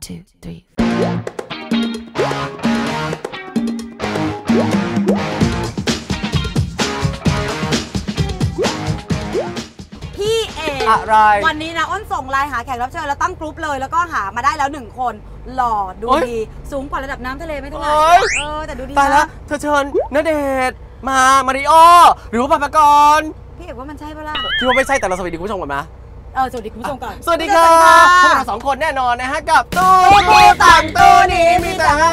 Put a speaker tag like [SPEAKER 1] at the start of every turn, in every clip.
[SPEAKER 1] 2, 3.
[SPEAKER 2] พี่เอก
[SPEAKER 3] อะไร
[SPEAKER 2] วันนี้นะอ้นส่งไลน์หาแขกรับเชิญแล้วตั้งกรุ๊ปเลยแล้วก็หามาได้แล้ว1 คนหล่อดูดีสูงกว่าระดับน้ำทะเลไม่เท่าไหร่แต่ดูดี
[SPEAKER 3] ตายแล้วเธอเชิญณเดชน์มาริโอหรือว่าปากร
[SPEAKER 2] พี่เอกว่ามันใช่ปะล่ะ
[SPEAKER 3] คิดว่าไม่ใช่แต่เราสวัสดีคุณผู้ชมก่อนนะ
[SPEAKER 2] สวัสดีคุณผู้ชมก่อน
[SPEAKER 3] สวัสดีค่ะพวกเรา2 คนแน่นอนนะฮะกับตู้ต่างตู้นี้มีแต่ให้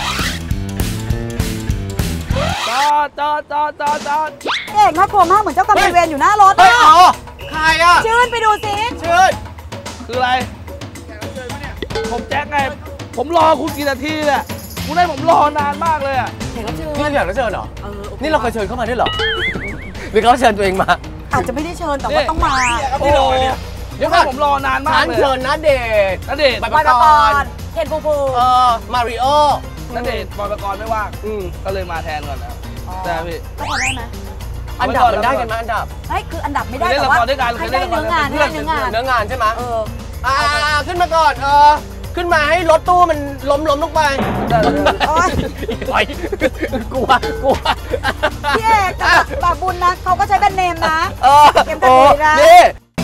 [SPEAKER 4] จอด
[SPEAKER 2] เอกน่ากลัวมากเหมือนเจ้ากรรมนายเวรอยู่หน้ารถ
[SPEAKER 3] ใครอ่ะ
[SPEAKER 2] ชื่นไปดูสิ
[SPEAKER 3] ชื่น
[SPEAKER 4] คืออะไรผมแจ็คไงผมรอคุณกี่นาทีเนี่ยคุณให้ผมรอนานมากเลยอ่ะ
[SPEAKER 2] แขกรับเชิญ
[SPEAKER 3] นี่เราอยากรับเชิญเหรอนี่เราเคยเชิญเข้ามาด้วยเหรอหรือเขาเชิญตัวเองมา
[SPEAKER 2] อาจจะไม่ได้เชิญแต่ว่าต้องมา
[SPEAKER 4] โอ้เดี๋ยวผมรอนานมากเลย
[SPEAKER 3] เชิญณเดชน์
[SPEAKER 2] บอยปกรณ์เคนภู
[SPEAKER 3] มาริโอ
[SPEAKER 4] ณเดชน์บอยปกรณ์ไม่ว่างก็เลยมาแทนก่อนนะแต่พี่
[SPEAKER 2] ก็พอได้ไหม
[SPEAKER 3] อันดับมันได้กันไหมอันดับ
[SPEAKER 2] คืออันดับไม่ได้แต่ว่าให้ได้เนื้องาน
[SPEAKER 3] เนื้องานใช่ไหมขึ้นมาก่อนขึ้นมาให้รถตู้มันล้มลงไปกลัว
[SPEAKER 2] พี่เอกบาบุญนะเขาก็ใช้แบรนด์เนมนะเกมกันดีนะ
[SPEAKER 3] นี่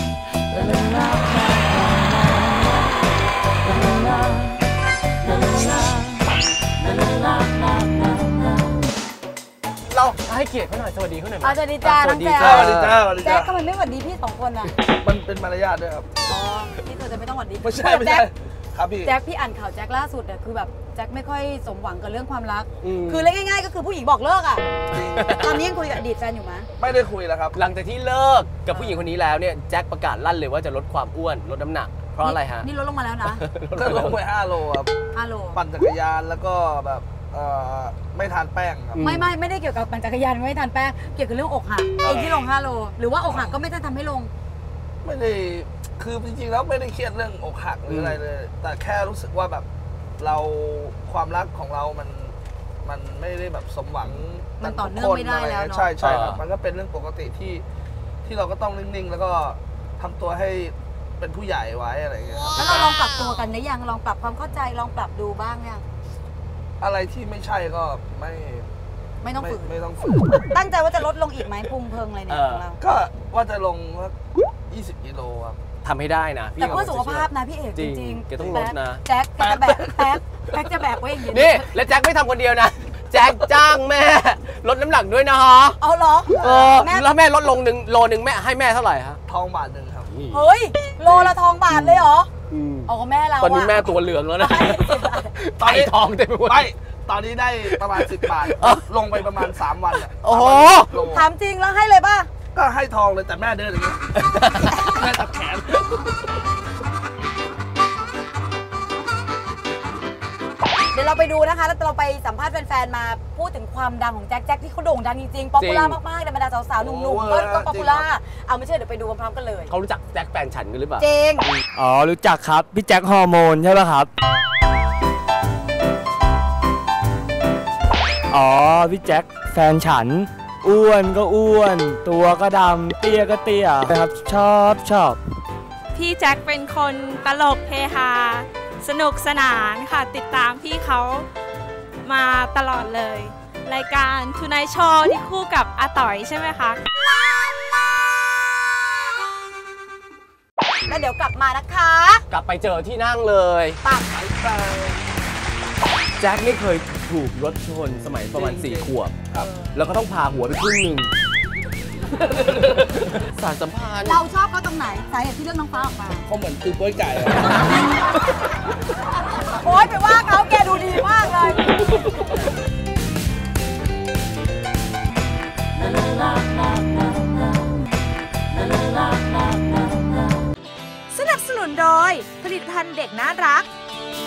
[SPEAKER 3] เราให้เกียรติเขาหน่อยสวัสดีเขาหน่อย
[SPEAKER 2] สวัสดีจ้าน้องแจ๊คแจ๊คทำไมไม่สวัสดีพี่2 คนอ่ะ
[SPEAKER 4] มันเป็นมารยาทด้วยครับ
[SPEAKER 2] นี่เธอจะไม่ต้องสวัสดี
[SPEAKER 4] ไม่ใช่ครับพี่
[SPEAKER 2] แจ็คพี่อ่านข่าวแจ็คล่าสุดเนี่ยคือแบบแจ็คไม่ค่อยสมหวังกับเรื่องความรักคือเรื่องง่ายๆก็คือผู้หญิงบอกเลิกอ่ะตอนนี้ยังคุยกับอดีตแฟนอยู่ไหม
[SPEAKER 4] ไม่ได้คุยแล้วครับ
[SPEAKER 3] หลังจากที่เลิกกับผู้หญิงคนนี้แล้วเนี่ยแจ็คประกาศลั่นเลยว่าจะลดความอ้วนลดน้ำหนักเพราะอะไรฮะ
[SPEAKER 2] นี่ลดลงมาแล้วนะ
[SPEAKER 4] ลดไป5 โลครับ
[SPEAKER 2] 5 โล
[SPEAKER 4] ปั่นจักรยานแล้วก็แบบไม่ทานแป้งครับ
[SPEAKER 2] ไม่ได้เกี่ยวกับปั่นจักรยานไม่ทานแป้งเกี่ยวกับเรื่องอกหักเองที่ลง5 โลหรือว่าอกหักก็ไม่ได้ทำให้ลง
[SPEAKER 4] ไม่ได้คือจริงๆแล้วไม่ได้เครียดเรื่องอกหักหรืออะไรเลยแต่แค่รู้สึกว่าแบบเราความรักของเรามันไม่ได้แบบสมหวัง
[SPEAKER 2] มันต่อเนื่องไม่ได้แล้วเนาะ
[SPEAKER 4] ใช่ครับมันก็เป็นเรื่องปกติที่เราก็ต้องนิ่งๆแล้วก็ทำตัวให้เป็นผู้ใหญ่ไว้อะไรอย่างเงี้ย
[SPEAKER 2] แล้วเราลองปรับตัวกันได้ยังลองปรับความเข้าใจลองปรับดูบ้างยัง
[SPEAKER 4] อะไรที่ไม่ใช่ก็
[SPEAKER 2] ไม่ต้องฝืนตั้งใจว่าจะลดลงอีกไหมพุงเพิงอะไรเนี่ยของเรา
[SPEAKER 4] ก็ว่าจะลง20 กิโลครับ
[SPEAKER 3] ทำให้ได้นะ
[SPEAKER 2] แต่เพื่อสุขภาพนะพี่เอกจริง
[SPEAKER 3] ๆแกต้องลดนะ
[SPEAKER 2] แจ็คจะแบกแจ็คจะแบกไว้อย่างนี้
[SPEAKER 3] นี่และแจ็คไม่ทำคนเดียวนะแจ็คจ้างแม่ลดน้ำหนักด้วยนะฮะ
[SPEAKER 2] เอาเหรอ
[SPEAKER 3] แล้วแม่ลดลงโลนึงแม่ให้แม่เท่าไหร่ฮะ
[SPEAKER 4] ทองบาท 1ครับ
[SPEAKER 2] เฮ้ยโลละทองบาทเลยเหรอเอาแม่เรา
[SPEAKER 3] ตอนนี้แม่ตัวเหลืองแล้วนะตอนนี้ทองเต็มไปหมด
[SPEAKER 4] ตอนนี้ได้ประมาณ10 บาทลงไปประมาณ3 วัน
[SPEAKER 3] โอ้โห
[SPEAKER 2] ถามจริงแล้วให้เลยป่ะ
[SPEAKER 4] ก็ให้ทองเลยแต่แม่เดินอย่างนี้แม่ตัดแขน
[SPEAKER 2] เดี๋ยวเราไปดูนะคะแล้วเราไปสัมภาษณ์แฟนๆมาพูดถึงความดังของแจ็คที่เขาโด่งดังจริงๆป๊อปปูล่ามากๆในบรรดาสาวๆหนุ่มๆก็ป๊อปปูล่าเอาไม่เชื่อเดี๋ยวไปดูพร้อมๆกันเลย
[SPEAKER 3] เขารู้จักแจ็คแฟนฉันกันหรือเปล่า
[SPEAKER 2] จริง
[SPEAKER 1] อ๋อรู้จักครับพี่แจ็คฮอร์โมนใช่ป่ะครับอ๋อพี่แจ็คแฟนฉันอ้วนก็อ้วนตัวก็ดำเตี้ยก็เตี้ยนะครับชอบ
[SPEAKER 5] พี่แจ็คเป็นคนตลกเฮฮาสนุกสนานค่ะติดตามพี่เขามาตลอดเลยรายการทูไนท์โชว์ที่คู่กับอาต๋อยใช่ไหมคะ
[SPEAKER 2] แล้วเดี๋ยวกลับมานะคะ
[SPEAKER 3] กลับไปเจอที่นั่งเลย
[SPEAKER 2] ปัก
[SPEAKER 3] แจ็คนี่เคยถูกรถชนสมัยประมาณ4 ขวบแล้วก็ต้องพาหัวไปครึ่งนึงสารสัมพันธ์
[SPEAKER 2] เราชอบเขาตรงไหนสาเหตุที่เรื่องน้องฟ้าออกมา
[SPEAKER 4] เขาเหมือนคือก้อยไก่
[SPEAKER 2] โอ๊ยไปว่าเขาแกดูดีมากเลย
[SPEAKER 5] สนับสนุนโดยผลิตภัณฑ์เด็กน่ารัก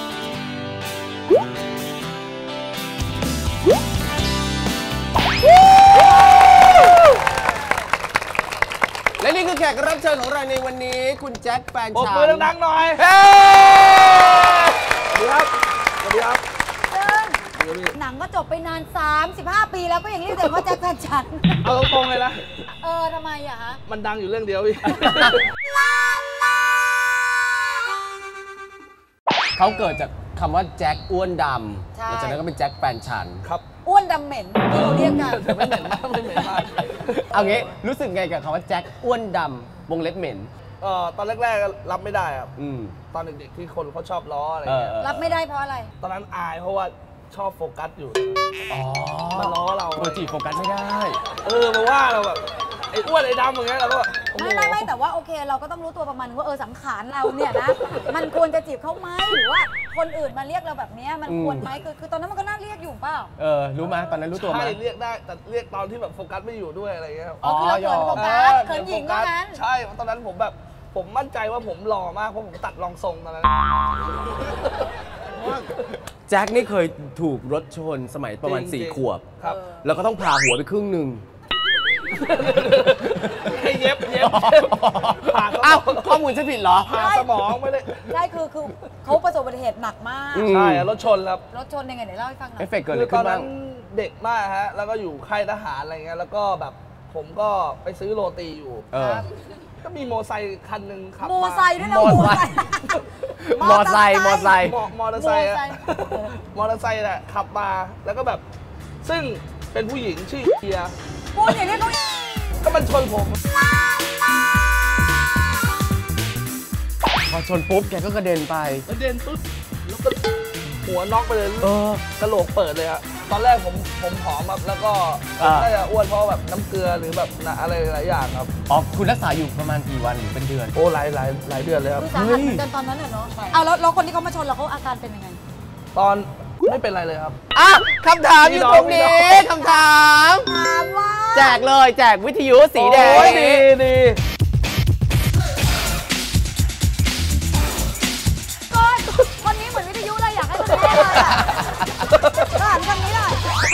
[SPEAKER 3] และนี่คือแขกรับเชิญของเราในวันนี้คุณแจ็คแฟนฉัน
[SPEAKER 4] ปรบมือดังๆหน่อยสวัสดีครับสวัสดีครับ
[SPEAKER 2] หนังก็จบไปนาน35 ปีแล้วก็ยังเรียกแต่ว่าแจ็คแฟนฉัน
[SPEAKER 4] เอาตรงๆเลยนะ
[SPEAKER 2] ทำไมอะฮะ
[SPEAKER 4] มันดังอยู่เรื่องเดียวพี่
[SPEAKER 3] เขาเกิดจากคำว่าแจ็คอ้วนด
[SPEAKER 2] ใช่
[SPEAKER 3] ำหลังจากนั้นก็เป็นแจ็คแฟนฉัน
[SPEAKER 4] ครับ
[SPEAKER 2] อ้วนดำเหม็นที่เราเรียกกัน
[SPEAKER 4] ไม่เหม็นมากไม่เหม็นมาก
[SPEAKER 3] เอางี้รู้สึกไงกับคำว่าแจ็คอ้วนดำวงเล็บเหม็น
[SPEAKER 4] ตอนแรกๆรับไม่ได้ครับ
[SPEAKER 3] อืม
[SPEAKER 4] ตอนเด็กๆที่คนเขาชอบล้ออะไรเงี้ย
[SPEAKER 2] รับไม่ได้เพราะอะไร
[SPEAKER 4] ตอนนั้นอายเพราะว่าชอบโฟกัสอยู่
[SPEAKER 3] อ๋อ
[SPEAKER 4] มาล้อเรา
[SPEAKER 3] โปรจีโฟกัสไม่ได้
[SPEAKER 4] มาว่าเราแบบไอ้อ้วนไอ้ดำอย่างเงี้ยเราก็แบบโอ้โห
[SPEAKER 2] ไม่แต่ว่าโอเคเราก็ต้องรู้ตัวประมาณนึงว่าสังขารเราเนี่ยนะ มันควรจะจีบเขาไหมหรือว่าคนอื่นมาเรียกเราแบบเนี้ยมันควรไหมคือตอนนั้นมันก็น่าเรียกอยู่เปล่า
[SPEAKER 3] รู้ไหมตอนนั้นรู้ตัวไหม
[SPEAKER 4] ใช่เรียกได้แต่เรียกตอนที่แบบโฟกัสไม่อยู่ด้วยอะไรเงี้ยครับ
[SPEAKER 2] อ๋อคือเราเขินโฟกัสเขินหญิงเท่านั้น
[SPEAKER 4] ใช่ตอนนั้นผมมั่นใจว่าผมหล่อมากเพราะผมตัดรองทรงตอนนั้น
[SPEAKER 3] แจ็คนี่เคยถูกรถชนสมัยประมาณ
[SPEAKER 4] จริงๆ
[SPEAKER 3] 4 ขวบ
[SPEAKER 4] ครับ
[SPEAKER 3] แล้วก็ต้องผ่าหัวไปครึ่งหนึ่ง
[SPEAKER 4] ให้เย็บผ่าสม
[SPEAKER 3] อ้าว
[SPEAKER 4] อง
[SPEAKER 3] ข้อมูลฉันผิดเหรอ
[SPEAKER 4] ผ่าสมองไม่ได้
[SPEAKER 2] ใช่คือเขาประสบอุบัติเหตุหนักมาก
[SPEAKER 3] อืม
[SPEAKER 4] ใช่รถชนครับ
[SPEAKER 2] รถชนยังไงเดี๋ยวเล่าให้ฟังหน่อ
[SPEAKER 3] เอย ฟเฟกต์เกิดอะ
[SPEAKER 4] คื
[SPEAKER 3] ไร
[SPEAKER 4] อต
[SPEAKER 3] ขึ้
[SPEAKER 4] อน
[SPEAKER 3] นบ้า
[SPEAKER 4] นั้
[SPEAKER 3] ง
[SPEAKER 4] นเด็กมากฮะแล้วก็อยู่ค่ายทหารอะไรเงี้ยแล้วก็แบบผมก็ไปซื้อโรตีอยู่
[SPEAKER 2] ครับ
[SPEAKER 4] ก็มีโมอไซค์คันหนึ่งขับ
[SPEAKER 2] โม
[SPEAKER 4] มา
[SPEAKER 2] ไซค์ด้วยนะ
[SPEAKER 3] มอไซค์ มอไซค์
[SPEAKER 4] มอเตอร์ไซค์อะมอเตอร์ไซค์แหละขับมาแล้วก็แบบ ซึ่งเป็นผู้หญิงชื่อเฮีย
[SPEAKER 2] พูดอย่างนี้เขา
[SPEAKER 4] ก็มันชนผม
[SPEAKER 3] พอชนปุ๊บแกก็กระเด็นไป
[SPEAKER 4] แล้วเดินปุ๊บแล้วก็หัวน็อกไปเลย กระโหลกเปิดเลยฮะตอนแรกผมผอมครับแล้วก็
[SPEAKER 3] อ่า
[SPEAKER 4] น่าจะอ้วนเพราะแบบน้ำเกลือหรือแบบอะไรหลายอย่างครับ
[SPEAKER 3] อ๋อคุณรักษาอยู่ประมาณกี่วันหรือเป็นเดือน
[SPEAKER 4] โอ้หลายเดือนเลยครับ
[SPEAKER 2] คือสาหัสเหมือนกันตอนนั้นเนาะเอาแล้วคนที่เขามาชนเราเขาอาการเป็นยังไง
[SPEAKER 4] ตอนไม่เป็นไรเลยครับ
[SPEAKER 3] อ่ะคำถามอยู่ตรงนี้คำถาม
[SPEAKER 2] ถามว่า
[SPEAKER 3] แจกเลยแจกวิทยุสีแดง
[SPEAKER 4] โอ้ยดี
[SPEAKER 2] ก้อนคนนี้เหมือนวิทยุเลยอยากให้คนนี้เลยอ่ะถามคนนี้เลย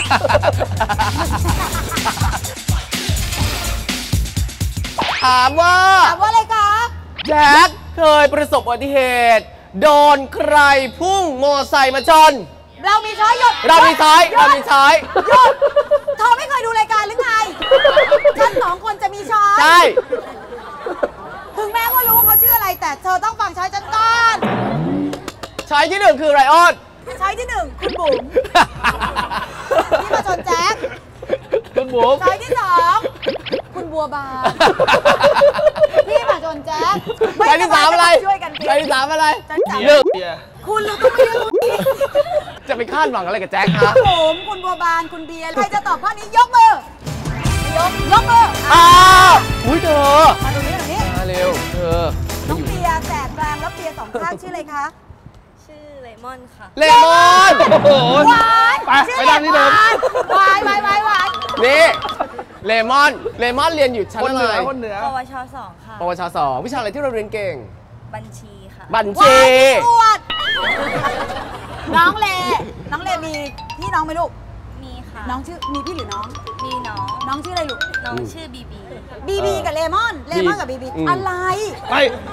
[SPEAKER 3] ถามว่า
[SPEAKER 2] ถามว่าอะไรคะ
[SPEAKER 3] แจ็คเคยประสบอุบัติเหตุ โดนใครพุ่งมอไซค์มาชน
[SPEAKER 2] เรามีช้อยหยุด
[SPEAKER 3] เรามีช้อย
[SPEAKER 2] หยุด
[SPEAKER 3] เรามีช้อย
[SPEAKER 2] หยุดเธอไม่เคยดูรายการหรือไงฉันสองคนจะมีช้อย
[SPEAKER 3] ใช่
[SPEAKER 2] ถึงแม้ว่ารู้ว่าเขาชื่ออะไรแต่เธอต้องฟังช้อยฉันก่อน
[SPEAKER 3] ช้อยที่หนึ่งคือไรออน
[SPEAKER 2] ช้อยที่หนึ่งคุณบุ๋มที่มาชนแจ็ค
[SPEAKER 4] คุณบุ๋ม
[SPEAKER 2] ช้อยที่สองคุณบัวบานที่มาชนแจ็ค
[SPEAKER 3] ช้อยที่สามอะไร
[SPEAKER 2] ช่วยกันคิด
[SPEAKER 3] ช้อยที่สามอะไร
[SPEAKER 2] ช้อยที่สาม
[SPEAKER 3] เลือก
[SPEAKER 4] เบียร์
[SPEAKER 2] คุณเราต้องไม่เลือกคุณ
[SPEAKER 3] จะไปคาดหวังอะไรกับแจ็ค
[SPEAKER 2] คุ
[SPEAKER 3] ฮะ
[SPEAKER 2] ณบุ๋มคุณบัวบานคุณเบียร์ใครจะตอบข้อนี้ยกมือยกมือ
[SPEAKER 3] อ้าวอุ้ยเธอ
[SPEAKER 2] มาตรงนี้
[SPEAKER 3] มาเร็วเธอ
[SPEAKER 2] น้องเบียร์แสกกลางแล้วเบียร์สองข้างชื่ออะไรคะ
[SPEAKER 5] ชื่อเลมอนค่ะ
[SPEAKER 3] เลมอน
[SPEAKER 4] โอ้โห
[SPEAKER 2] หวาน
[SPEAKER 4] ไปนั่งที่เดิม
[SPEAKER 2] หวานหวาน
[SPEAKER 3] นี่เลมอนเรียนอยู่ชั้น
[SPEAKER 4] คน
[SPEAKER 3] อะ
[SPEAKER 4] เหนื
[SPEAKER 3] ไร
[SPEAKER 4] อคนเหนือ
[SPEAKER 5] ปวช2ค่ะ
[SPEAKER 3] ปวช2วิชาอะไรที่เราเรียนเก่ง
[SPEAKER 5] บัญชีค่ะ
[SPEAKER 3] บัญ
[SPEAKER 2] หวา
[SPEAKER 3] ชี
[SPEAKER 2] นตรวจน้องเลมีพี่น้องไหมลูก
[SPEAKER 5] มีค่ะ
[SPEAKER 2] น้องชื่อมีพี่หรือน้อง
[SPEAKER 5] มีน้อง
[SPEAKER 2] น้องชื่ออะไรลูก
[SPEAKER 5] น้องชื่อบีบี
[SPEAKER 2] บีบีกับเลมอนกับบีบีอะไร
[SPEAKER 4] ไป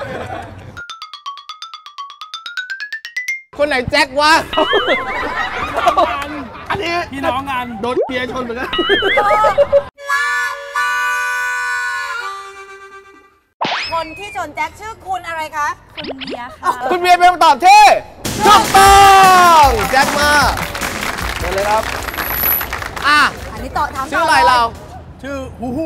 [SPEAKER 3] คนไหนแจ็ควะ
[SPEAKER 4] อันนี้พี่น้องกันโดนเบียร์ชนเหมือนกัน
[SPEAKER 2] คนที่ชนแจ็คชื่อคุณอะไรคะ
[SPEAKER 5] คุณเบียร์ค่ะ
[SPEAKER 3] คุณเบียร์เป็นคำตอบที่ถูกต้องแจ็คมา
[SPEAKER 4] เดี๋ยวเลยครับ
[SPEAKER 3] อ่ะ
[SPEAKER 2] อันนี้ต่อถาม
[SPEAKER 3] ชื่ออะไรเรา
[SPEAKER 4] ชื่อฮูฮู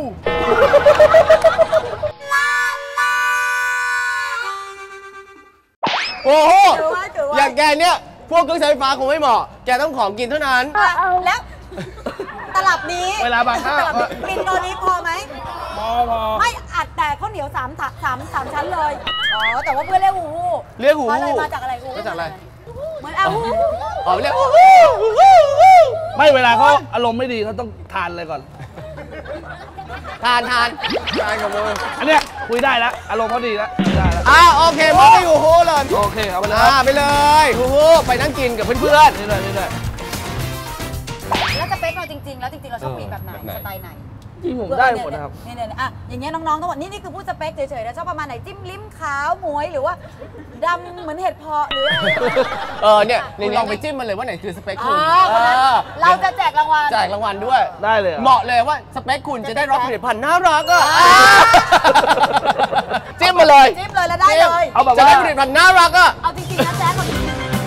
[SPEAKER 3] โอ้โห
[SPEAKER 2] ถือว่า
[SPEAKER 3] อย่างแกเนี่ย พวกเครื่องใช้ไฟฟ้าคงไม่เหมาะ แกต้องของกินเท่านั้น
[SPEAKER 2] แล้วตลับนี้
[SPEAKER 4] เวลาบางข้าว
[SPEAKER 2] ตลับนี้ปินตัวนี้พอไหม
[SPEAKER 4] พอ
[SPEAKER 2] ไม่อัดแต่ข้าวเหนียวสามชั้นเลย อ๋อ แต่ว่าเพื่อนเรียกหูหู
[SPEAKER 3] เรียกหู
[SPEAKER 2] เพราะอะไรมาจากอะไรหู
[SPEAKER 3] มาจากอะไร
[SPEAKER 2] เหมือนอาหู
[SPEAKER 3] อ๋อเรียก
[SPEAKER 4] ไม่เวลาเขาอารมณ์ไม่ดีเขาต้องทานอะไรก่อน
[SPEAKER 3] ทานกับมือ
[SPEAKER 4] อันเนี้ยคุยได้แล้วอารมณ์เขาดีแล้วคุยได้แล้ว
[SPEAKER 3] โอเคมองไปอยู่โหเลย
[SPEAKER 4] โอเคเอาไปเลยครับ
[SPEAKER 3] ไปเลยโอ้โหไปนั่งกินกับเพื่อน
[SPEAKER 4] นี่เลย
[SPEAKER 2] แล้วสเปคเราจริงๆ แล้วจริงๆ เราชอบผู้หญิงแบบไหน
[SPEAKER 3] แบบไหน
[SPEAKER 2] สไตล์ไหน
[SPEAKER 4] ที่ผมได้หมดนะครับ
[SPEAKER 2] เนี่ยอ่ะอย่างเงี้ยน้องๆทั้งหมดนี่คือพูดสเปคเฉยๆแล้วชอบประมาณไหนจิ้มลิ้มขาวหมวยหรือว่าดำเหมือนเห็ดเพาะหรืออะไร
[SPEAKER 3] เนี่ยนี่ลองไปจิ้มมันเลยว่าไหนคือสเปค
[SPEAKER 2] อ๋
[SPEAKER 3] คุ
[SPEAKER 2] อ
[SPEAKER 3] ณ
[SPEAKER 2] เราจะแจกรางวัล
[SPEAKER 3] แจกรางวัลด้วย
[SPEAKER 4] ได้เลยหรอ
[SPEAKER 3] เหมาะเลยว่าสเปคคุณจะได้รับผลิตภัณฑ์น่ารักอ่ะจิ้มมาเลย
[SPEAKER 2] จิ้มเลยแล้วได้เลย
[SPEAKER 4] เอาแบบ
[SPEAKER 3] จะ
[SPEAKER 4] ว่า
[SPEAKER 3] ได้ผลิตภัณฑ์น่ารักอ่ะ
[SPEAKER 2] เอาจริงๆนะแจ๊ค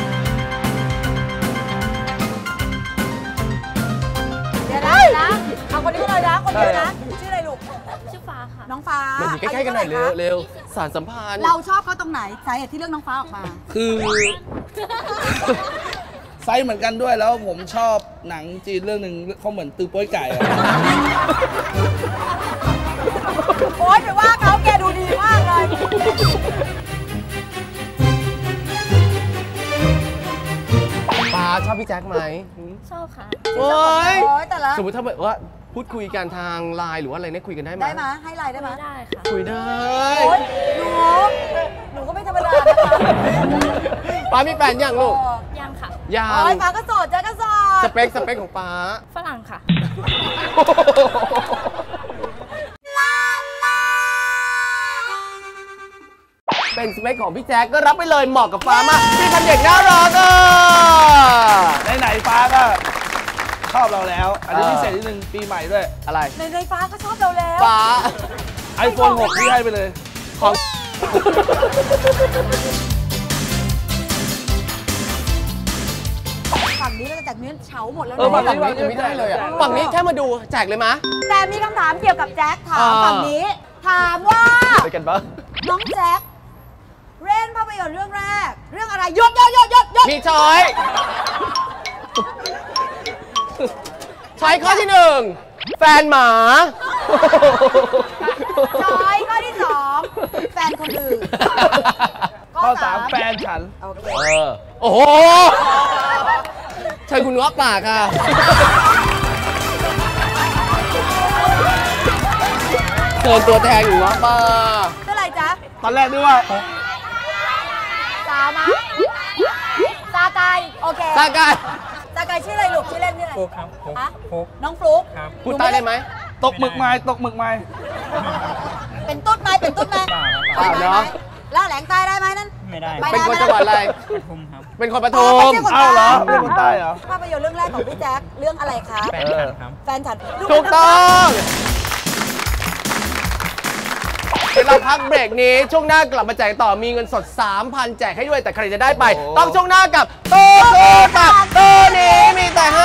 [SPEAKER 2] เดี๋ยวนะเอาคนนี้เลยนะคนเดียวนะชื่ออะไรลูกชื่อฟ้าค่ะน้องฟ้า
[SPEAKER 3] มาอยู่ใกล้ๆกันหน่อยเร็วสารสัมพันธ์
[SPEAKER 2] เราชอบเขาตรงไหนสาเหตุที่เลือกน้องฟ้าออกมา
[SPEAKER 4] คือไซส์เหมือนกันด้วยแล้วผมชอบหนังจีนเรื่องหนึ่งเขาเหมือนตือโป้ยไก่อะ
[SPEAKER 2] โอ๊ยไปว่าเขาแกดูดีมากเลย
[SPEAKER 3] ป้าชอบพี่แจ็คไหม
[SPEAKER 5] ชอบค่ะ
[SPEAKER 3] โอ้ย
[SPEAKER 2] โอ๊ยแต่ละ
[SPEAKER 3] สมมติถ้าแบบว่าพูดคุยกันทางไลน์หรือว่าอะไรเนี่ยคุยกันได้ไหม
[SPEAKER 2] ได้ไหมให้ไลน์ได้ไหม
[SPEAKER 5] ได้ค่ะ
[SPEAKER 3] คุยได้
[SPEAKER 2] โอ๊ยหนูก็ไม่ธรรมดานะคะ
[SPEAKER 3] ป้ามีแฟนยังลูก
[SPEAKER 5] ยังค่ะ
[SPEAKER 3] ยั
[SPEAKER 2] โอ๊ย
[SPEAKER 3] ง
[SPEAKER 2] ฟ้าก็โสดเจ๊ก็โสด
[SPEAKER 3] สเปคของป้า
[SPEAKER 5] ฝรั่งค่ะ
[SPEAKER 3] เป็นสเปคของพี่แจ็คก็รับไปเลยเหมาะกับฟ้ามากพี่พันเด็กน่ารักอ่ะ
[SPEAKER 4] ไหนๆฟ้าก็ชอบเราแล้ว อันนี้พิเศษนิดนึงปีใหม่ด้วย
[SPEAKER 3] อะไร
[SPEAKER 2] ในฟ้าก็ชอบเราแล้ว
[SPEAKER 3] ฟ้า
[SPEAKER 4] iPhone 6ที่ให้ไปเลย
[SPEAKER 3] ของ
[SPEAKER 2] ฝั่งนี้เราจะแจกเนื้อเฉาหมดแล้ว
[SPEAKER 4] เออ
[SPEAKER 3] ฝั่
[SPEAKER 2] นะ
[SPEAKER 3] งนี้ไม่ได้เลยอ่ะฝั่งนี้แค่มาดูแจกเลยมะ
[SPEAKER 2] แต่มีคำถามเกี่ยวกับแจ็คถาม
[SPEAKER 3] อ่า
[SPEAKER 2] ฝั่งนี้ ถามว่า
[SPEAKER 3] ไปกันปะ
[SPEAKER 2] น้องแจ็คเล่นภาพยนตร์เรื่องแรก เรื่องอะไรยศ
[SPEAKER 3] มีช้อยช้อยข้อที่หนึ่งแฟนหมา
[SPEAKER 2] ช้อยข้อที่สองแฟนคนอื่น
[SPEAKER 4] ข้อ 3 แฟนฉัน
[SPEAKER 2] โอเค
[SPEAKER 3] โอ้โหเชิญคุณเงาะปากค่ะเชิญตัวแทนอยู่เงาะปาก
[SPEAKER 2] เท่าไหร่จ๊ะ
[SPEAKER 4] ตอนแรกนึกว่า
[SPEAKER 2] สาวมั้ยซากายโอเค
[SPEAKER 3] ซากาย
[SPEAKER 2] ซากายชื่ออะไรลูกชื่อเล่นชื่ออะไร
[SPEAKER 6] ฟลุ๊กครับฟลุ๊ก
[SPEAKER 2] ฮะ
[SPEAKER 6] ฟลุ๊ก
[SPEAKER 2] น้องฟลุ๊ก
[SPEAKER 6] ครับ
[SPEAKER 3] พูดใต้ได้ไหม
[SPEAKER 4] ตกหมึกไม้ตกหมึกไม้
[SPEAKER 2] เป็นตุ๊ดไหมเป็นตุ๊ดไหม
[SPEAKER 3] เปล่า
[SPEAKER 2] ไหม
[SPEAKER 3] เนอะ
[SPEAKER 2] แล้วแหลงใต้ได้ไหมนั่น
[SPEAKER 6] ไม่ได้
[SPEAKER 2] ไม่
[SPEAKER 3] เป็นคนจังหวัดอะไร
[SPEAKER 6] ปทุมครับ
[SPEAKER 3] เป็นคนป
[SPEAKER 2] อ๋
[SPEAKER 3] ทุ
[SPEAKER 2] อ
[SPEAKER 3] ม
[SPEAKER 2] ไม่ใช่คน
[SPEAKER 4] อ้าวเหรอ
[SPEAKER 2] ใต้
[SPEAKER 4] เป็นคนใต้เหรอ
[SPEAKER 2] ภาพยนตร์เรื่องแรกของพี่แจ๊คเรื่องอะไรคะ
[SPEAKER 6] แฟนฉันครับ
[SPEAKER 2] แฟนฉัน
[SPEAKER 3] ถูกต้องเดี๋ยวเราพักเบรกนี้ช่วงหน้ากลับมาแจกต่อมีเงินสด 3,000 แจกให้ด้วยแต่ใครจะได้ไป
[SPEAKER 4] โอ้
[SPEAKER 3] ต้องช่วงหน้ากับโตโตตักโตนี้มีแต่ให้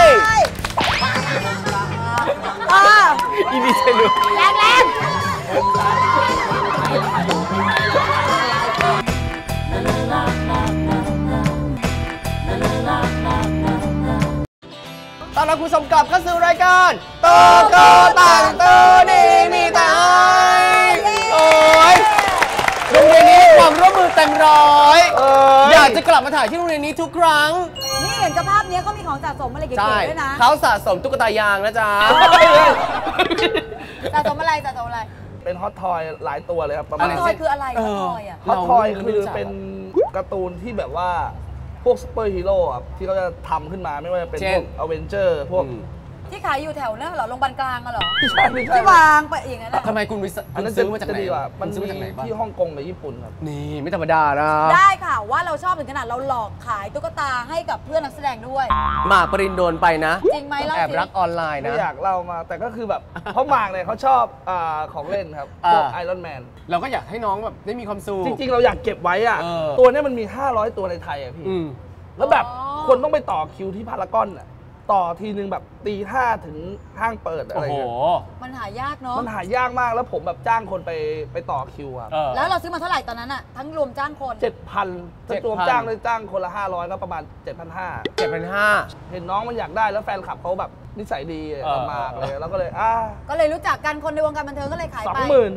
[SPEAKER 2] อ่า
[SPEAKER 3] อีนี่เชนู
[SPEAKER 2] แรงแรง
[SPEAKER 3] ตอนรับคุณผู้ชมกลับเข้าสู่รายการโตโตตักโตนี้มีแต่ให้โอ้ยโรงเรียนนี้ความร่วมมือเต็มร้อยอยากจะกลับมาถ่ายที่โรงเรียนนี้ทุกครั้ง
[SPEAKER 2] นี่เห็นสภาพนี้เขามีของสะสมอะไรเก๋
[SPEAKER 3] ใช่
[SPEAKER 2] ๆด้วยนะ
[SPEAKER 3] เขาสะสมตุ๊กตายางนะจ๊ะ
[SPEAKER 2] สะสมอะไรสะสมอะไร
[SPEAKER 4] เป็นฮอตทอยหลายตัวเลยครับประ
[SPEAKER 2] ฮอ
[SPEAKER 4] มา
[SPEAKER 2] ต
[SPEAKER 4] ณ
[SPEAKER 2] ทอยคืออะไรฮอตทอยอ่ะ
[SPEAKER 4] ฮอตทอย
[SPEAKER 3] เราไม่
[SPEAKER 4] คือ
[SPEAKER 3] รู้จัก
[SPEAKER 4] เป็นการ์ตูนที่แบบว่าพวกซูเปอร์ฮีโร่ครับที่เขาจะทำขึ้นมาไม่ว่าจะเป็น
[SPEAKER 3] เช่
[SPEAKER 4] พ
[SPEAKER 3] น
[SPEAKER 4] วกอเวนเจอร์พวก
[SPEAKER 2] ที่ขายอยู่แถวนั้นเหรอโรงพยาบาลกลางอะเหรอ
[SPEAKER 4] ไม่ใช่ไม่ใช่
[SPEAKER 2] ที่วางไปอย่างนั้นอะ
[SPEAKER 3] ทำไมคุณวิ
[SPEAKER 4] อันนั้น
[SPEAKER 3] ซื้อมาจากไหน
[SPEAKER 4] จะดีกว่า
[SPEAKER 3] คุ
[SPEAKER 4] มัน
[SPEAKER 3] ณซื้อ
[SPEAKER 4] มี
[SPEAKER 3] มาจากไหนบ้าง
[SPEAKER 4] ที่ฮ่องกงกับญี่ปุ่นครับ
[SPEAKER 3] นี่ไม่ธรรมดานะ
[SPEAKER 2] ได้ค่ะว่าเราชอบถึงขนาดเราหลอกขายตุ๊กตาให้กับเพื่อนนักแสดงด้วย
[SPEAKER 3] หมากปรินโดนไปนะ
[SPEAKER 2] จริงไหมเล่า
[SPEAKER 3] แอบ
[SPEAKER 2] สิ
[SPEAKER 3] รักออนไลน์
[SPEAKER 4] ไม่
[SPEAKER 3] นะ
[SPEAKER 4] อยากเล่ามาแต่ก็คือแบบ เพราะหมากเนี่ยเขาชอบของเล่นครับพวกไอรอนแมน
[SPEAKER 3] เราก็อยากให้น้องแบบได้มีความสุข
[SPEAKER 4] จริงๆ เราอยากเก็บไว้อะ
[SPEAKER 3] เออ
[SPEAKER 4] ตัวเนี้ยมันมี 500 ตัวในไทยอะพี่
[SPEAKER 3] อืม
[SPEAKER 4] แล้วแบบคนต้องไปต่อคิวที่พารากอนอะต่อทีนึงแบบตี 5ถึงห้างเปิดอะ
[SPEAKER 3] โอ้
[SPEAKER 4] ไร
[SPEAKER 3] โห
[SPEAKER 4] เงี้ย
[SPEAKER 2] มันหายากเนาะ
[SPEAKER 4] มันหายากมากแล้วผมแบบจ้างคนไปต่อคิวอะ
[SPEAKER 3] เออ
[SPEAKER 2] แล้วเราซื้อมาเท่าไหร่ตอนนั้นอะทั้งรวมจ้างคน
[SPEAKER 4] 7,000ถ้ารวมจ้างเลยจ้างคนละ 500 ก็ประมาณ 7,500
[SPEAKER 3] 7,500
[SPEAKER 4] เห็นน้องมันอยากได้แล้วแฟนคลับเขาแบบนิสัยดี
[SPEAKER 3] เออ
[SPEAKER 4] มากเลยแล้วก็เลย
[SPEAKER 2] ก็เลยรู้จักกันคนในวงการบันเทิงก็เลยขายไป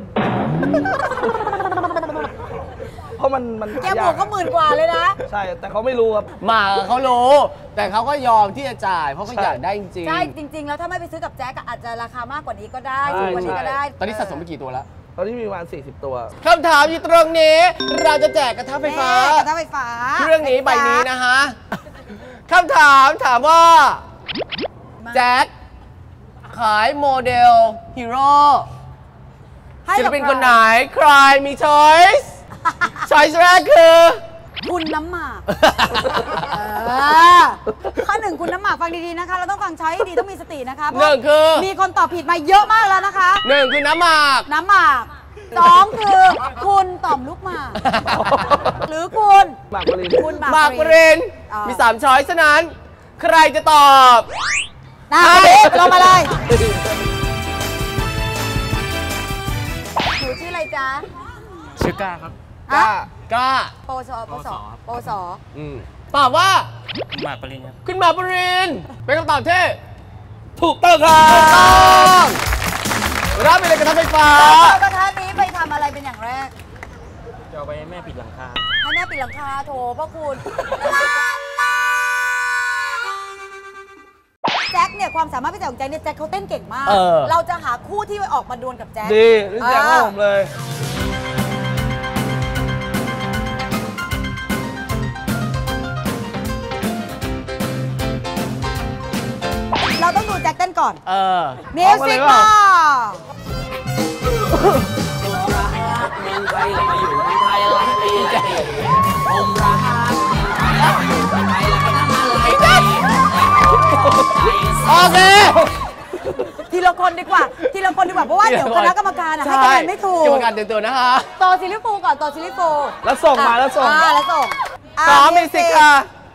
[SPEAKER 4] 20,000 เพราะมัน
[SPEAKER 2] แกบวกก็10,000 กว่าเลยนะ
[SPEAKER 4] ใช่แต่เขาไม่รู้ครับ
[SPEAKER 3] หมากเขารู้ แต่เขาก็ยอมที่จะจ่าย เพราะเขาอยากได้จริงๆ
[SPEAKER 2] ใช่จริง ๆ แล้วถ้าไม่ไปซื้อกับแจ๊กอะอาจจะราคามากกว่านี้ก็ได้
[SPEAKER 4] ใช่
[SPEAKER 2] ถูกกว่านี้ก็ได้
[SPEAKER 3] ตอนนี้สะสมไปกี่ตัวแล้ว
[SPEAKER 4] ตอนนี้มีประมาณ40 ตัว
[SPEAKER 3] คำถามอยู่ตรงนี้ เราจะแจกกระทะไฟฟ้า
[SPEAKER 2] แม่กระทะไฟฟ้า
[SPEAKER 3] เครื่องนี้ใบนี้นะฮะคำถามว่า แจ็คขายโมเดลฮีโร่
[SPEAKER 2] ให้
[SPEAKER 3] ศิล
[SPEAKER 2] กับ
[SPEAKER 3] ปินคนไหน ใครมีช้อยส์ช้อยส์แรกคือ
[SPEAKER 2] คุณน้ำหมากข้อหนึ่งคุณน้ำหมากฟังดีๆนะคะ เราต้องฟังช้อยให้ดีต้องมีสตินะคะเพ
[SPEAKER 3] หนึ่
[SPEAKER 2] ราะ
[SPEAKER 3] งคือ
[SPEAKER 2] มีคนตอบผิดมาเยอะมากแล้วนะคะ
[SPEAKER 3] หนึ่งคือน้ำหมาก
[SPEAKER 2] น้ำหมากสองคือคุณต่อมลูกหมากหรือคุณ
[SPEAKER 4] หมากปริน
[SPEAKER 2] คุณ
[SPEAKER 3] หมากปริน
[SPEAKER 2] อ๋อ
[SPEAKER 3] มี3ช้อยส์ฉะนั้น ใครจะตอบ
[SPEAKER 2] มลงมาเลยหนูชื่ออะไรจ๊ะ
[SPEAKER 1] ชื่อก้าครับ
[SPEAKER 3] กล้า
[SPEAKER 2] โปสโปส
[SPEAKER 3] ตอบว่า
[SPEAKER 1] หมากปริญครับ
[SPEAKER 3] คุณหมาปรินเป็นคำตอบที่
[SPEAKER 4] ถูกต้องครับ
[SPEAKER 3] ถูกต้องรับไปเลยกระทะไฟฟ้า
[SPEAKER 2] กระทะนี้ไปทำอะไรเป็นอย่างแรก
[SPEAKER 1] จะเอาไปให้แม่ปิดหลังคา
[SPEAKER 2] ให้แม่ปิดหลังคาโถพ่อคุณแจ็คเนี่ยความสามารถพิเศษของแจ็คเนี่ยแจ็คเขาเต้นเก่งมาก เราจะหาคู่ที่ออกมาดวลกับแจ็ค
[SPEAKER 4] ดีนี่แจ็คให้ผมเลย
[SPEAKER 2] เราต้องดูแจ็คเต้นก่อน มิว
[SPEAKER 4] เอามาเล
[SPEAKER 2] สิ
[SPEAKER 4] ย
[SPEAKER 2] ก
[SPEAKER 4] เปล่า
[SPEAKER 2] มา
[SPEAKER 3] โอเค
[SPEAKER 2] ทีละคนดีกว่าเพราะว่าเดี๋ยวคณะกรรมการให้คะแนนไม่ถูก
[SPEAKER 3] กรรมการเตือนๆนะคะ
[SPEAKER 2] ต่อซิลิฟูก่อนต่อซิลิฟู
[SPEAKER 4] แล้วส่งมาแล้วส่ง
[SPEAKER 2] แล้วส่ง
[SPEAKER 3] พร้อมมิวสิกค่ะ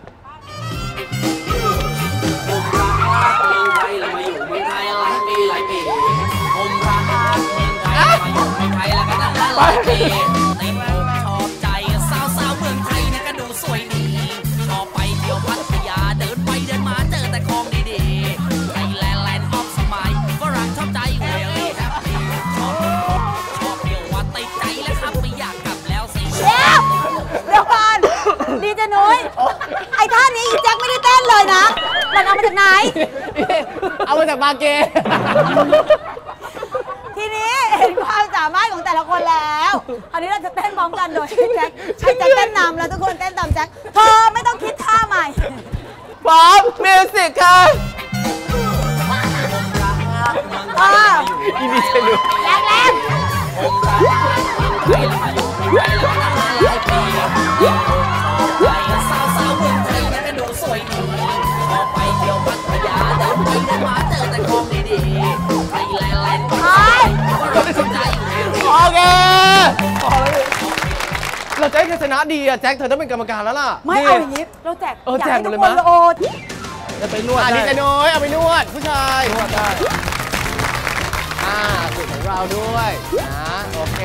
[SPEAKER 6] ชอบใจสาวๆเมืองไทยเนี่ยก็ดูสวยดีชอบไปเที่ยวพัทยาเดินไปเดินมาเจอแต่ของดีๆไทยแลนด์แลนด์ออฟสมัยฝรั่งชอบใจเวลี่แฮปปี้ชอบเที่ยวว่าติดใจแล้วครับไม่อยากกลับแล้วสิ
[SPEAKER 2] เดี๋ยวก่อนดีเจนุ้ยไอ้ท่านี้อีแจ็คไม่ได้เต้นเลยนะมันเอามาจากไหน
[SPEAKER 3] เอามาจากบาเก
[SPEAKER 2] ทีนี้เห็นความสามารถของแต่ละคนแล้วอันนี้เราจะเต้นพร้อมกันโดยให้แจ็คเต้นนำแล้วทุกคนเต้นตามแจ็คเธอไม่ต้องคิดท่าใหม่
[SPEAKER 3] พร้อมมิวสิกค่ะ
[SPEAKER 2] อีนี่จะดูแรง
[SPEAKER 6] สาวๆเมืองไทยเนี่ยก็ดูสวยดีชอบไปเที่ยวพัทยาเดินไปเดินมาเจอแต่ของดีๆไทยแลนด์แลนด์ก็ฝรั่งชอบใจเวลี่
[SPEAKER 3] โอเคเราจะให้เธอชนะดีอะแจ็คเธอต้องเป็นกรรมการแล้วล่ะ
[SPEAKER 2] ไม่เอาอย่างนี้เราแจก
[SPEAKER 3] แจกหมดเลย
[SPEAKER 2] อาก
[SPEAKER 3] มั้
[SPEAKER 2] ให้
[SPEAKER 3] ย
[SPEAKER 2] ทุกคนโอ้
[SPEAKER 4] จะไปนวด
[SPEAKER 3] ดี
[SPEAKER 4] ได้
[SPEAKER 3] ใจน้อยเอาไปนวดผู้ชาย
[SPEAKER 4] นวดได้
[SPEAKER 3] สูตรของเราด้วยนะโอเค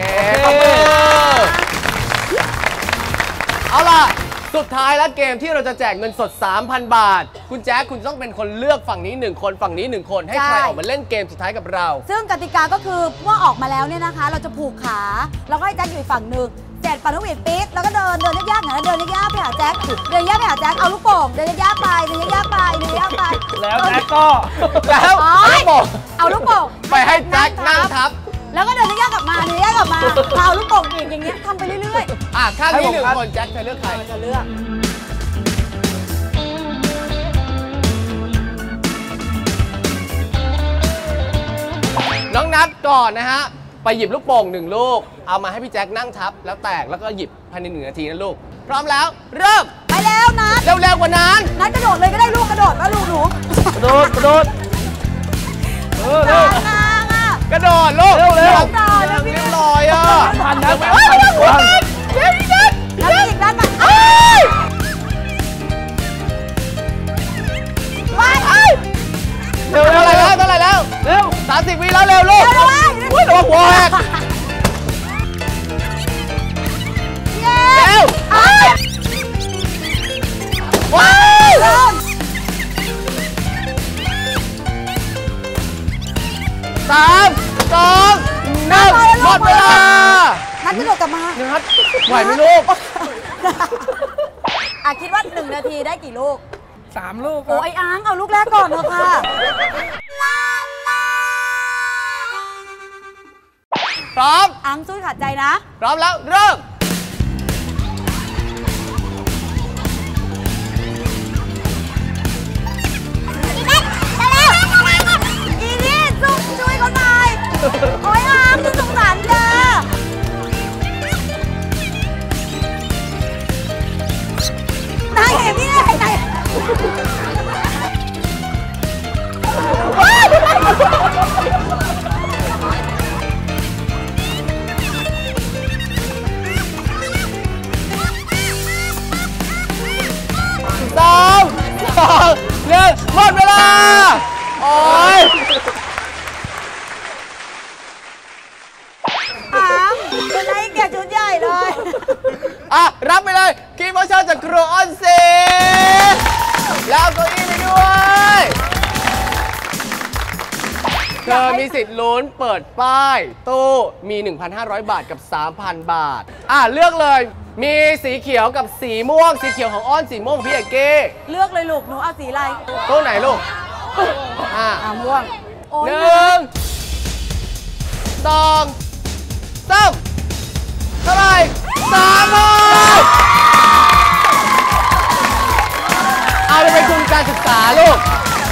[SPEAKER 3] เอาล่ะสุดท้ายแล้วเกมที่เราจะแจกเงินสด 3,000 บาท คุณแจ๊คคุณต้องเป็นคนเลือกฝั่งนี้1คนฝั่งนี้1คนให้ใครออกมาเล่นเกมสุดท้ายกับเรา
[SPEAKER 2] ซึ่งกติกาก็คือเมื่อออกมาแล้วเนี่ยนะคะ เราจะผูกขาแล้วก็ให้แจ็คอยู่อีกฝั่งหนึ่งเสร็จปั่นนกหวีดปี๊ดแล้วก็เดินยากๆหน่อยนะเดินยากๆไปหาแจ็คเดินยากไปหาแจ็คเอาลูกโป่งเดินยากๆไปเดินยากๆไปเดินยากๆไป
[SPEAKER 4] แล้วแจ็คก็
[SPEAKER 3] แล้ว
[SPEAKER 2] อ๋อ
[SPEAKER 3] ลูกโป่ง
[SPEAKER 2] เอาลูกโป่ง
[SPEAKER 3] ไปให้แจ็คนั่งทับ
[SPEAKER 2] แล้วก็เดินยากๆกลับมาเดินยากๆกลับมาเอาลูกโป่งอีกอย่างเงี้ยทำไปเรื่อย
[SPEAKER 3] ข้างนี้1คนแจ็คจะเลือกใคร
[SPEAKER 2] ๆจะเลือก
[SPEAKER 3] น้องนัดก่อนนะฮะไปหยิบลูกโป่ง1ลูกเอามาให้พี่แจ็คนั่งทับแล้วแตกแล้วก็หยิบภายใน1 นาทีนะลูกพร้อมแล้วเริ่ม
[SPEAKER 2] ไปแล้วนัด
[SPEAKER 3] เร็วๆกว่านั้น
[SPEAKER 2] นัดกระโดดเลยก็ได้ลูกกระโดดมาลูกหนู
[SPEAKER 4] กระโดดเร็ว
[SPEAKER 2] กลางอ่ะ
[SPEAKER 3] กระโดดลูก
[SPEAKER 4] เร็ว
[SPEAKER 3] เรียบร้อยอ่ะ
[SPEAKER 4] พันนะ
[SPEAKER 3] เฮ้ยเร็วๆกว่านั้นเร็วอีกนิด
[SPEAKER 2] นัดอีกนัดมา
[SPEAKER 3] เอ้ย
[SPEAKER 2] ไป
[SPEAKER 3] เร็วเท่าไหร่แล้ว
[SPEAKER 4] เร็ว
[SPEAKER 3] 30 วิแล้วเร็วลูก
[SPEAKER 2] เร็วๆ
[SPEAKER 3] อุ้ยระวังหัวแหก
[SPEAKER 2] เย้
[SPEAKER 3] เร็ว
[SPEAKER 2] เอ้ย
[SPEAKER 3] ว้าว
[SPEAKER 2] เริ่ม
[SPEAKER 3] 3 2 1หมดเวลา
[SPEAKER 2] นัดกระโดดกลับมา
[SPEAKER 3] นัดไหวไหมลูก
[SPEAKER 2] คิดว่า1 นาทีได้กี่ลูก
[SPEAKER 4] 3 ลูกค
[SPEAKER 2] โอ้
[SPEAKER 4] รับ
[SPEAKER 2] ไอ้อ้างเอาลูกแรกก่อนเถอะค่ะ
[SPEAKER 3] พร้อม
[SPEAKER 2] อ้างสู้ขาดใจนะ
[SPEAKER 3] พร้อมแล้วเริ่ม
[SPEAKER 2] อีนี่สู้ช่วยเขาหน่อยโอ้ยอ้างจะสงสารเธอนายเห็นพี่ได้ไหน
[SPEAKER 3] 3 2 1หมดเวลา โออ่ะรับไปเลยกิฟต์วอเชอร์จากครัวออนเซแล้วเอาเก้าอี้ไปด้วยเธอมีสิทธิ์ลุ้นเปิดป้ายตู้มี 1,500 บาทกับ 3,000 บาทเลือกเลยมีสีเขียวกับสีม่วงสีเขียวของอ้อนสีม่วงของพี่เอกเก้
[SPEAKER 2] เลือกเลยลูกหนูเอาสีอะไร
[SPEAKER 3] ตู้ไหนลูก
[SPEAKER 2] ม่วงโอ้ย
[SPEAKER 3] 1 2 3เท่าไหร่3,000เอาไปเป็นทุนการศึกษาลูก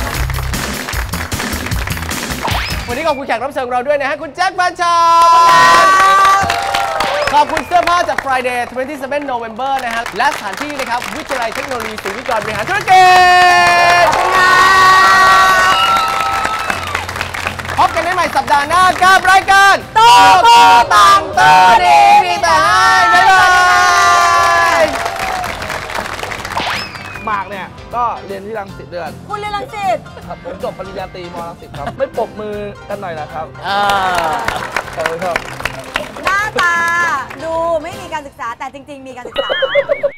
[SPEAKER 3] วันนี้ขอบคุณแขกรับเชิญเราด้วยนะฮะคุณแจ็คแฟนฉันขอบคุณเสื้อผ้าจาก Friday 27 November นะฮะและสถานที่นะครับวิทยาลัยเทคโนโลยีศรีวิกรบริหารธุรกิจพบกันได้ใหม่สัปดาห์หน้ากับรายการโตโตต่างโตดีมีแต่ให้บ๊ายบาย
[SPEAKER 4] หมากเนี่ยก็เรียนที่รังสิตด้วยกัน
[SPEAKER 2] คุณเรียนรังสิต
[SPEAKER 4] ครับผมจบปริญญาตรีมรังสิตครับ ไม่ปรบมือกันหน่อยนะครับขอบคุณครับ
[SPEAKER 2] หน้าตาดูไม่มีการศึกษาแต่จริงๆมีการศึกษา